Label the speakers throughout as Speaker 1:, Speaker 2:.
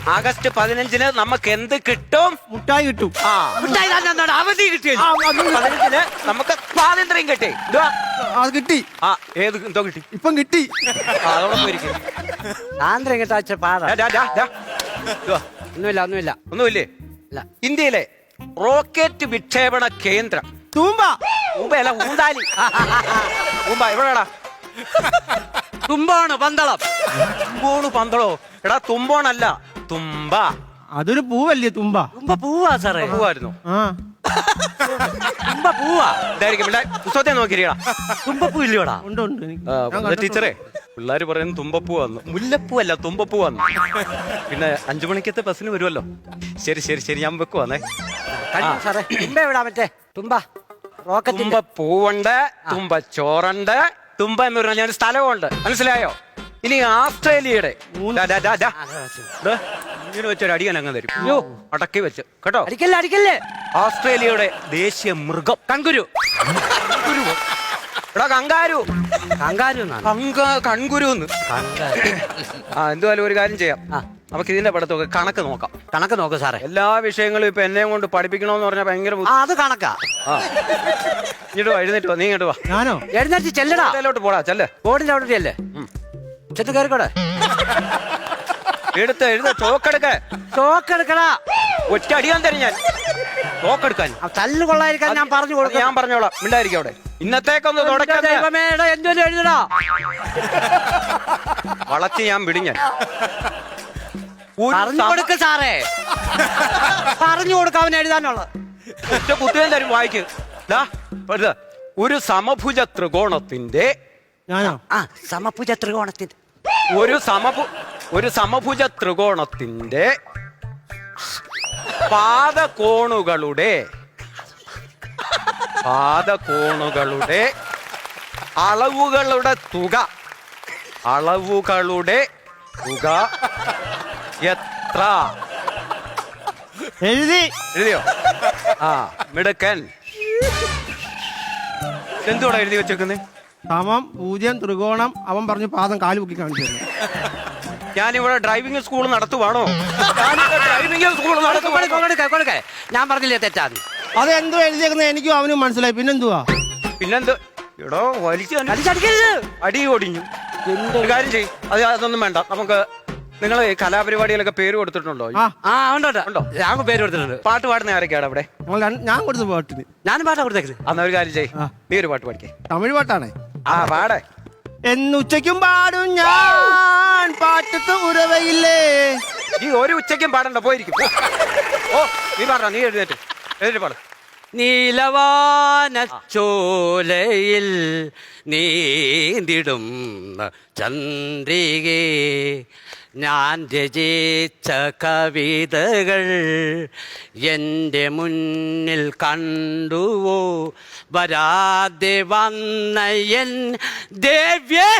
Speaker 1: August 15-ന് നമുക്ക് എന്ത് കിട്ടും?
Speaker 2: മുട്ടായി കിട്ടും.
Speaker 1: മിഠായി തന്നെ അവധി കിട്ടി. 15-ന് നമുക്ക് സ്വാതന്ത്ര്യം കിട്ടി.
Speaker 2: അത് കിട്ടി.
Speaker 1: ഏത് എന്തോ കിട്ടി?
Speaker 2: ഇപ്പം കിട്ടി.
Speaker 1: അതോടെ പോയിരിക്കും.
Speaker 3: സ്വാതന്ത്ര്യം കിട്ടാച്ച പാട. ഒന്നുമില്ല.
Speaker 1: ഒന്നുമില്ലേ? ഇന്ത്യയിലെ റോക്കറ്റ് വിക്ഷേപണ കേന്ദ്രം
Speaker 2: തൂമ്പ.
Speaker 1: ഊമ്പയല്ല, ഊന്താലി. ഊമ്പ എവിടെടാ?
Speaker 3: തുമ്പാണ് പന്തളം.
Speaker 1: തുമ്പോണ് പന്തളോ? എടാ തുമ്പോണല്ല, തുമ്പ.
Speaker 2: അതൊരു പൂവല്ലേ തുമ്പ?
Speaker 3: തുമ്പ പൂവാ സാറേ.
Speaker 1: പൂവായിരുന്നു.
Speaker 3: തുമ്പ പൂവാ
Speaker 1: ഇതായിരിക്കും. പുസ്തകത്തെ നോക്കിയിരിക്കടാ.
Speaker 3: തുമ്പപ്പൂ ഇല്ലയോടാ?
Speaker 2: ഉണ്ട്.
Speaker 1: ടീച്ചറേ, പിള്ളേര് പറയുന്നത് തുമ്പപ്പൂ വന്നു. മുല്ലപ്പൂ അല്ല, തുമ്പപ്പൂ വന്നു. പിന്നെ 5 മണിക്കത്തെ ബസ്സിന് വരുമല്ലോ. ശരി ഞാൻ വെക്കുവാന്നേ.
Speaker 3: സാറേ തുമ്പ എവിടാ? മറ്റേ തുമ്പ റോക്കറ്റ്.
Speaker 1: തുമ്പ പൂവുണ്ട്, തുമ്പ ചോറുണ്ട്, തുമ്പ എന്ന് പറഞ്ഞാൽ ഞാൻ സ്ഥലമുണ്ട്. മനസ്സിലായോ? ഇനി ആസ്ട്രേലിയയുടെ ഇങ്ങനെ വെച്ചൊരു അടിയാൻ അങ്ങ് തരും. അടക്കി വെച്ച് കേട്ടോ.
Speaker 3: അടിക്കല്ലേ.
Speaker 1: ഓസ്ട്രേലിയയുടെ ദേശീയ മൃഗം കങ്കുരു. എടാ കങ്കാരു. കൺകുരു. എന്തുവായാലും ഒരു കാര്യം ചെയ്യാം. നമുക്ക് ഇതിന്റെ പഠിത്തമൊക്കെ കണക്ക് നോക്കാം സാറേ. എല്ലാ വിഷയങ്ങളും ഇപ്പൊ എന്നെ കൊണ്ട് പഠിപ്പിക്കണോന്ന് പറഞ്ഞാൽ ഭയങ്കര
Speaker 3: അത് കണക്കാ.
Speaker 1: ഇങ്ങോട്ട് വാ, എഴുന്നേറ്റ് വാ. നീ ഇങ്ങോട്ട് വാ.
Speaker 2: ഞാനോ?
Speaker 3: എഴുന്നേറ്റ് ചെല്ലടാ.
Speaker 1: അതിലോട്ട് പോടാ, ചെല്ല്.
Speaker 3: ബോർഡിന്റെ അവിടെ അല്ലേ? ചെത്ത് കയറിക്കോടെ.
Speaker 1: എഴുത ചോക്കെടുക്കടാ. ഒറ്റ അടിയാൻ തരും ഞാൻ. ചോക്കെടുക്കാൻ
Speaker 3: തല്ല് കൊള്ളായിരിക്കാൻ ഞാൻ പറഞ്ഞു കൊടുക്കും.
Speaker 1: ഞാൻ പറഞ്ഞോളാം, മിണ്ടായിരിക്കും അവിടെ. ഇന്നത്തേക്കൊന്ന്
Speaker 3: എന്തോലും എഴുതടാ.
Speaker 1: വളച്ച് ഞാൻ വിടിഞ്ഞാൻ.
Speaker 3: പറഞ്ഞു കൊടുക്ക സാറേ. പറഞ്ഞു കൊടുക്ക അവൻ എഴുതാനുള്ള.
Speaker 1: ഒറ്റ കുത്തിയും തരും വായിക്ക്. ഒരു സമഭുജ ത്രികോണത്തിന്റെ
Speaker 3: സമഭുജ ത്രികോണത്തിന്റെ
Speaker 1: ഒരു സമഭുജ ത്രികോണത്തിന്റെ പാദകോണുകളുടെ അളവുകളുടെ തുക എത്ര? എഴുതിയോ? മിടുക്കൻ. എന്തുകൂടെ എഴുതി വെച്ചേക്കുന്നേ?
Speaker 2: 0 ത്രികോണം. അവൻ പറഞ്ഞു പാദം കാല് പൊക്കി കാണിച്ചു.
Speaker 1: ഞാനിവിടെ ഡ്രൈവിംഗ് സ്കൂൾ നടത്തുവാണോ?
Speaker 3: ഞാൻ പറഞ്ഞില്ലേ തെറ്റാന്ന്.
Speaker 2: അതെന്തോ എഴുതിയേക്കുന്നത് എനിക്കും അവനും മനസ്സിലായി. പിന്നെന്തുവാ?
Speaker 1: എടോ വലിച്ചടിക്കരുത്. അടി ഓടിഞ്ഞു. ഒരു കാര്യം ചെയ്യും. അതൊന്നും വേണ്ട. നമുക്ക് നിങ്ങൾ കലാപരിപാടികളൊക്കെ പേര് കൊടുത്തിട്ടുണ്ടോ?
Speaker 3: ഉണ്ടോ? ഞാൻ പേര് കൊടുത്തിട്ടുണ്ട്.
Speaker 1: പാട്ട് പാടുന്ന ആരൊക്കെയാണ് അവിടെ?
Speaker 2: ഞാൻ കൊടുത്ത പാട്ടിന്.
Speaker 3: ഞാനും പാട്ടാ കൊടുത്തേക്കുന്നത്.
Speaker 1: അന്ന് ഒരു കാര്യം ചെയ്യും. നീ ഒരു പാട്ട് പാടിക്കേ.
Speaker 2: തമിഴ് പാട്ടാണേ.
Speaker 1: പാടേ.
Speaker 2: എന്നുച്ചയ്ക്കും പാടും ഞാൻ പാട്ടത്ത് ഉറവയില്ലേ.
Speaker 1: നീ ഒരു ഉച്ചയ്ക്കും പാടണ്ട, പോയിരിക്കും. നീ പാടാ. നീ എഴുന്നേറ്റ് പാടും.
Speaker 3: നീലവാന ചോലയിൽ നീന്തിടും ചന്ദ്രികേ, ഞാൻ രചിച്ച കവിതകൾ എൻ്റെ മുന്നിൽ കണ്ടുവോ, വരാതെ വന്ന എൻ ദേവ്യേ.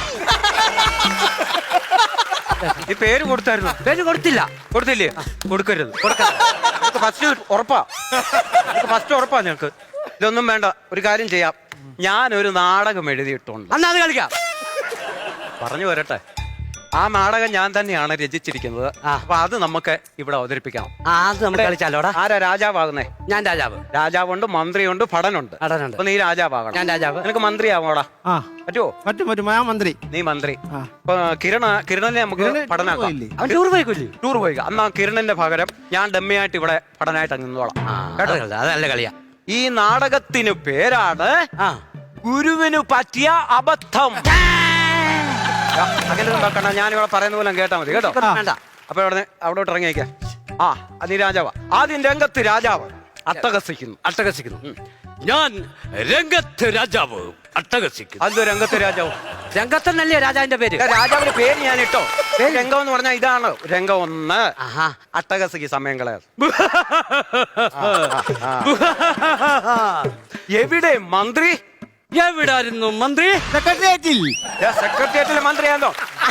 Speaker 1: ഈ പേര് കൊടുത്തായിരുന്നു?
Speaker 3: പേര് കൊടുത്തില്ലേ?
Speaker 1: കൊടുക്കരുത്. ഫസ്റ്റ് ഉറപ്പാ ഞങ്ങൾക്ക്. ഇതൊന്നും വേണ്ട. ഒരു കാര്യം ചെയ്യാം. ഞാനൊരു നാടകം എഴുതിയിട്ടുണ്ട്.
Speaker 3: അന്ന് അത് കളിക്കാം.
Speaker 1: പറഞ്ഞു വരട്ടെ. ആ നാടകം ഞാൻ തന്നെയാണ് രചിച്ചിരിക്കുന്നത്. അപ്പൊ അത് നമുക്ക് ഇവിടെ അവതരിപ്പിക്കണം.
Speaker 3: കളിച്ചാലോടാ.
Speaker 1: ആരാ രാജാവാകുന്നേ?
Speaker 3: ഞാൻ
Speaker 1: രാജാവുണ്ട്, മന്ത്രിയുണ്ട്, ഭടനുണ്ട്. അപ്പൊ നീ രാജാവാകണം.
Speaker 3: ഞാൻ രാജാവ്.
Speaker 1: നിനക്ക് മന്ത്രിയാവോടാ?
Speaker 2: പറ്റുമോ? പറ്റും. ഞാൻ മന്ത്രി.
Speaker 1: നീ മന്ത്രി. കിരണനെ നമുക്ക് പഠനാക്കാം. ടൂർ പോയി. അന്ന് കിരണന്റെ പകരം ഞാൻ ഡമ്മിയായിട്ട് ഇവിടെ പഠനമായിട്ട് അങ്ങ് നിന്നോളാം.
Speaker 3: അതല്ല കളിയാ.
Speaker 1: ഈ നാടകത്തിന് പേരാണ് ഗുരുവിന് പറ്റിയ അബദ്ധം. അങ്ങനെ നോക്കണ്ട. ഞാനിവിടെ പറയുന്ന പോലെ കേട്ടാ മതി കേട്ടോ. അപ്പൊ അവിടോട്ട് ഇറങ്ങിയേക്കാം. നീ രാജാവാ. ആദ്യം രംഗത്ത് രാജാവ് അട്ടഹസിക്കുന്നു.
Speaker 3: ഞാൻ രംഗത്ത് രാജാവ് അട്ടഹസിക്കുന്നു.
Speaker 1: അത് രംഗത്ത് രാജാവ്.
Speaker 3: രംഗത്തെന്നല്ലേ രാജാവിന്റെ പേര്?
Speaker 1: രാജാവിന്റെ പേര് ഞാൻ ഇട്ടോ. രംഗം എന്ന് പറഞ്ഞാൽ ഇതാണ്. രംഗം 1. അട്ടഹസിക്ക് സമയം കളയാ. എവിടെ മന്ത്രി?
Speaker 3: എവിടായിരുന്നു മന്ത്രി?
Speaker 1: സെക്രട്ടേറിയറ്റിലെ മന്ത്രിയാണോ?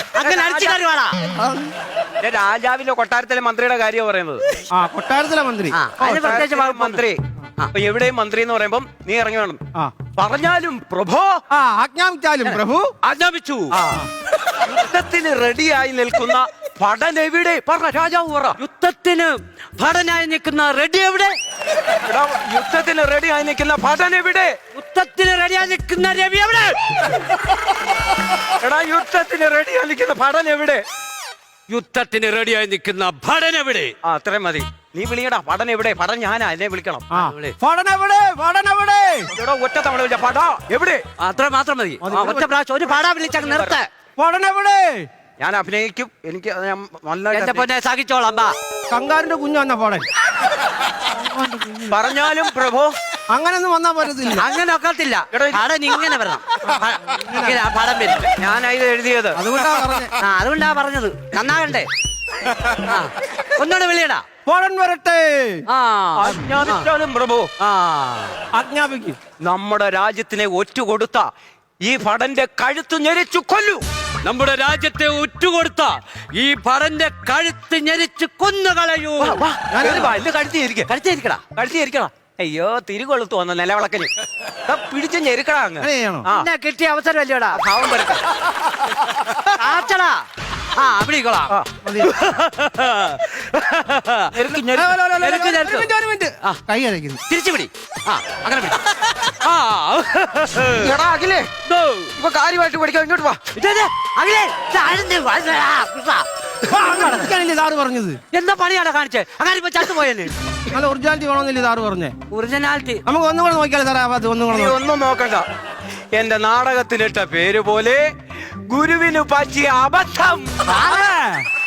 Speaker 1: രാജാവിന്റെ കൊട്ടാരത്തിലെ മന്ത്രിയുടെ കാര്യം പറയുന്നത്.
Speaker 2: കൊട്ടാരത്തിലെ മന്ത്രി.
Speaker 1: മന്ത്രി. അപ്പൊ എവിടെയും മന്ത്രി എന്ന് പറയുമ്പം നീ ഇറങ്ങി വേണം. പറഞ്ഞാലും പ്രഭോ.
Speaker 2: ആജ്ഞാപിച്ചാലും പ്രഭു.
Speaker 3: ആജ്ഞാപിച്ചു.
Speaker 1: യുദ്ധത്തിന് റെഡിയായി നിൽക്കുന്ന ഭടൻ എവിടെ പറഞ്ഞ രാജാവ് പറ.
Speaker 3: യുദ്ധത്തിന് ഭടനായി നിൽക്കുന്ന റെഡി എവിടെ?
Speaker 1: എടാ യുദ്ധത്തിന് റെഡി ആയി നിൽക്കുന്ന ഭടൻ എവിടെ?
Speaker 3: യുദ്ധത്തിന് റെഡിയായി നിൽക്കുന്ന രവി എവിടെ?
Speaker 1: എടാ യുദ്ധത്തിന് റെഡി ആയി നിൽക്കുന്ന ഭടൻ എവിടെ?
Speaker 3: യുദ്ധത്തിന് റെഡിയായി നിൽക്കുന്ന ഭടൻ എവിടെ?
Speaker 1: ആ അത്രയും മതി. നീ വിളിയടാ ഭടൻ എവിടെ? ഭടൻ ഞാനാ, എന്നെ വിളിക്കണം.
Speaker 2: ആ പടനെവിടെ പടനെവിടെ?
Speaker 1: എടാ ഒറ്റ തവണ വിളിച്ച പട എവിടെ?
Speaker 3: അത്ര മാത്രം മതി. ഒറ്റ പ്രാവശ്യം ഒരു പാടാ വിളിച്ചങ്ങ് നിർത്ത.
Speaker 2: പടനെവിടെ?
Speaker 1: ഞാൻ അഭിനയിക്കും. എനിക്ക് അത് ഞാൻ
Speaker 3: എന്റെ
Speaker 1: നന്നായിട്ട്
Speaker 3: പൊന്നെ സഹിച്ചോളാം. ബാ.
Speaker 2: കങ്കാറിന്റെ കുഞ്ഞു വന്ന പടൻ.
Speaker 1: പറഞ്ഞാലും പ്രഭു
Speaker 2: അങ്ങനൊന്നും വന്നാ പറ്റത്തില്ല.
Speaker 3: അങ്ങനെ ഒക്കത്തില്ല.
Speaker 1: എടാ,
Speaker 3: പടൻ ഇങ്ങനെ വരണം. ഇങ്ങനെ ആ പടം വരും.
Speaker 1: ഞാനാ ഇത് എഴുതിയത്.
Speaker 2: അതുകൊണ്ടാ പറഞ്ഞേ.
Speaker 3: ആ അതുകൊണ്ടാ പറഞ്ഞത്. നന്നാകണ്ടേ? ആ ഒന്നുകൂടെ വിളിയടാ.
Speaker 2: പടൻ വരട്ടെ.
Speaker 3: ആ
Speaker 1: ആജ്ഞാപിച്ചാലും പ്രഭു.
Speaker 3: ആ
Speaker 2: ആജ്ഞാപിക്കും.
Speaker 1: നമ്മുടെ രാജ്യത്തിനെ ഒറ്റുകൊടുത്ത ഈ ഭടന്റെ കഴുത്ത് ഞെരിച്ചു കൊല്ലു.
Speaker 3: നമ്മുടെ രാജ്യത്തെ ഉറ്റുകൊടുത്ത ഈ ഭടന്റെ കഴുത്ത് ഞെരിച്ച് കൊന്നുകളയൂ.
Speaker 1: കഴുത്തിരിക്കടാ. കഴുത്തിരിക്കടാ. അയ്യോ തിരികൊളുത്തു വന്ന നിലവിളക്കന് പിടിച്ച് ഞെരുക്കടാ അങ്ങ്.
Speaker 2: അങ്ങനെ ചെയ്യണോ?
Speaker 1: ആ
Speaker 3: എന്നെ കിട്ടിയ അവസരം അല്ലയോടാ.
Speaker 1: ഭാവം വരട്ടെ.
Speaker 3: ആച്ചടാ. ആ അവിടെക്കോളാം.
Speaker 1: ആ, മതി. ഞെരുക്ക്, ഞെരുക്ക്.
Speaker 3: ഞെരുക്ക്, ഞെരുക്ക്.
Speaker 2: ഒരു മിനിറ്റ്. കൈ അരയ്ക്കുന്നു.
Speaker 3: തിരിച്ചു പിടി. ആ അങ്ങനെ പിടി. ആ
Speaker 1: എടാ അഖിലേ
Speaker 3: ദോ.
Speaker 1: ഇപ്പൊ കാര്യമായിട്ട് പഠിക്കാം. ഇങ്ങോട്ട് വാ.
Speaker 3: ഇതേ, അഖിലേ, ഇത് ആരെന്ന് വന്നടാ, കൃഷ്ണ.
Speaker 2: അങ്ങനെയല്ലേ സാറ് പറഞ്ഞത്?
Speaker 3: എന്താ പണിയാടാ കാണിച്ചേ? അങ്ങനെ ഇപ്പൊ ചത്തുപോയെന്ന്.
Speaker 2: നല്ല ഒറിജിനാലിറ്റി വേണമെന്നില്ലേ സാറ് പറഞ്ഞേ?
Speaker 3: ഒറിജിനാലിറ്റി.
Speaker 2: നമുക്ക് ഒന്നും കൂടെ നോക്കിയാലേ സാറേ? അത് ഒന്നും
Speaker 1: നീ
Speaker 2: കൂടെ
Speaker 1: ഒന്നും നോക്കണ്ട. എന്റെ നാടകത്തിലിട്ട പേര് പോലെ ഗുരുവിന് പറ്റിയ അബദ്ധം.
Speaker 2: സാറേ